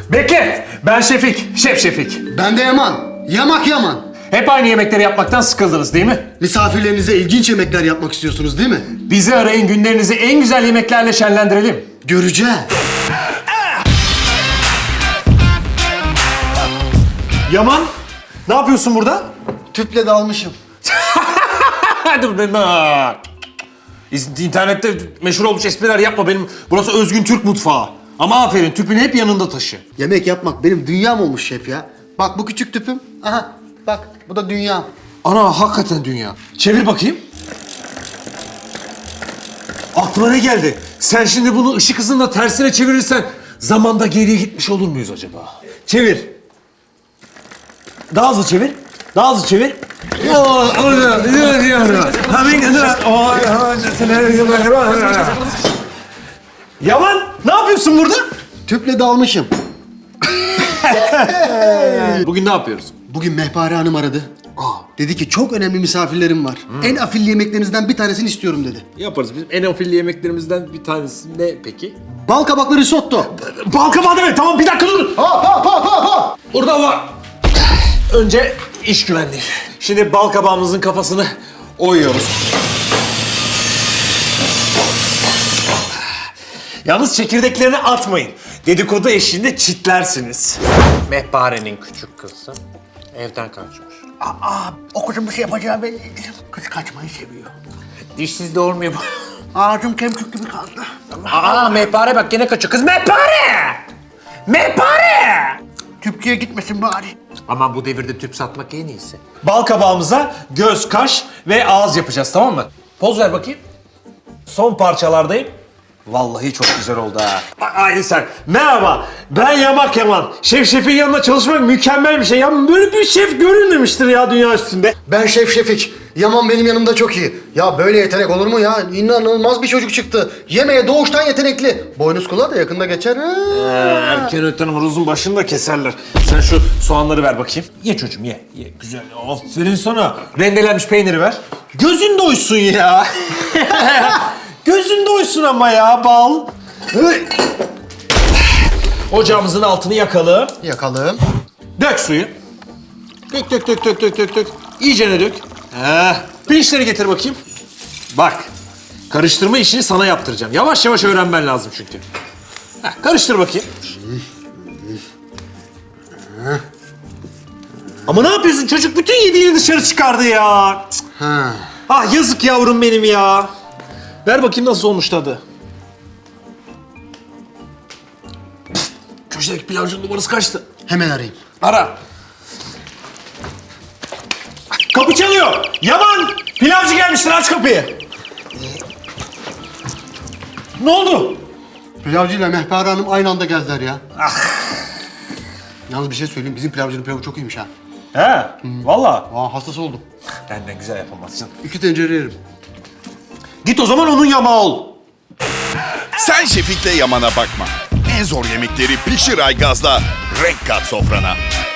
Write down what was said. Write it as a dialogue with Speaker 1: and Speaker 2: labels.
Speaker 1: Bekle! Ben Şefik, Şef Şefik.
Speaker 2: Ben de Yaman. Yamak Yaman.
Speaker 1: Hep aynı yemekleri yapmaktan sıkıldınız değil mi?
Speaker 2: Misafirlerinize ilginç yemekler yapmak istiyorsunuz değil mi?
Speaker 1: Bizi arayın, günlerinizi en güzel yemeklerle şenlendirelim.
Speaker 2: Göreceğiz.
Speaker 1: Yaman, ne yapıyorsun burada?
Speaker 2: Tüple dalmışım.
Speaker 1: Dur ben... İnternette meşhur olmuş espriler yapma benim. Burası özgün Türk mutfağı. Ama aferin, tüpünü hep yanında taşı.
Speaker 2: Yemek yapmak benim dünyam olmuş şef ya. Bak bu küçük tüpüm. Aha bak bu da dünyam.
Speaker 1: Ana, hakikaten dünya. Çevir bakayım. Aklına ne geldi? Sen şimdi bunu ışık hızında tersine çevirirsen zamanda geriye gitmiş olur muyuz acaba? Çevir. Daha hızlı çevir. Daha hızlı çevir. Yaman, ne yapıyorsun burada?
Speaker 2: Tüple dalmışım.
Speaker 1: Bugün ne yapıyoruz?
Speaker 2: Bugün Mehpare Hanım aradı. Dedi ki çok önemli misafirlerim var. En afilli yemeklerinizden bir tanesini istiyorum dedi.
Speaker 1: Yaparız. Bizim en afilli yemeklerimizden bir tanesi ne peki?
Speaker 2: Bal kabaklı risotto.
Speaker 1: Bal kabağı deme. Tamam, bir dakika dur. Orada var. Önce iş güvenliği. Şimdi bal kabağımızın kafasını oyuyoruz. Yalnız çekirdeklerini atmayın. Dedikodu eşliğinde çitlersiniz. Mehpare'nin küçük kızı evden kaçmış.
Speaker 2: O kızın bir şey yapacağı belliydi. Kız kaçmayı seviyor.
Speaker 1: Dişsiz de olmuyor bu.
Speaker 2: Ağzım kemkük gibi kaldı.
Speaker 1: Mehpare bak gene kaçıyor. Kız Mehpare! Mehpare!
Speaker 2: Tüpçüye gitmesin bari.
Speaker 1: Ama bu devirde tüp satmak en iyisi. Bal kabağımıza göz, kaş ve ağız yapacağız, tamam mı? Poz ver bakayım. Son parçalardayım. Vallahi çok güzel oldu ha. Aynı sen. Merhaba, ben Yamak Yaman. Şef Şef'in yanında çalışmak mükemmel bir şey. Ya böyle bir şef görülmemiştir ya dünya üstünde.
Speaker 2: Ben Şef Şefik. Yaman benim yanımda çok iyi. Ya böyle yetenek olur mu ya? İnanılmaz bir çocuk çıktı. Yemeğe doğuştan yetenekli. Boynuz kulağı da yakında geçer.
Speaker 1: Erken öten horozun başını da keserler. Sen şu soğanları ver bakayım. Ye çocuğum ye. Ye güzel. Aferin sana. Rendelenmiş peyniri ver. Gözün doysun ya. Gözün doysun ama ya bal. Ocağımızın altını yakalım.
Speaker 2: Yakalım.
Speaker 1: Dök suyu. Dök. İyicene dök. Pirinçleri getir bakayım. Bak. Karıştırma işini sana yaptıracağım. Yavaş yavaş öğrenmen lazım çünkü. Karıştır bakayım. Ama ne yapıyorsun çocuk? Bütün yediğini dışarı çıkardı ya.
Speaker 2: Ha.
Speaker 1: Ah yazık yavrum benim ya. Ver bakayım nasıl olmuş tadı. Köşedeki pilavcının numarası kaçtı?
Speaker 2: Hemen arayayım.
Speaker 1: Ara. Kapı çalıyor. Yaman! Pilavcı gelmiştir, aç kapıyı. Ne oldu?
Speaker 2: Pilavcı ile Mehpare Hanım aynı anda geldiler ya. Yalnız bir şey söyleyeyim. Bizim pilavcının pilavı çok iyiymiş ha.
Speaker 1: He, valla.
Speaker 2: Hastası oldum.
Speaker 1: Benden güzel yapamazsın.
Speaker 2: 2 tencere yerim.
Speaker 1: Git o zaman onun yamağı ol.
Speaker 3: Sen Şefik'le Yaman'a bakma. En zor yemekleri pişir Aygaz'la renk kat sofrana.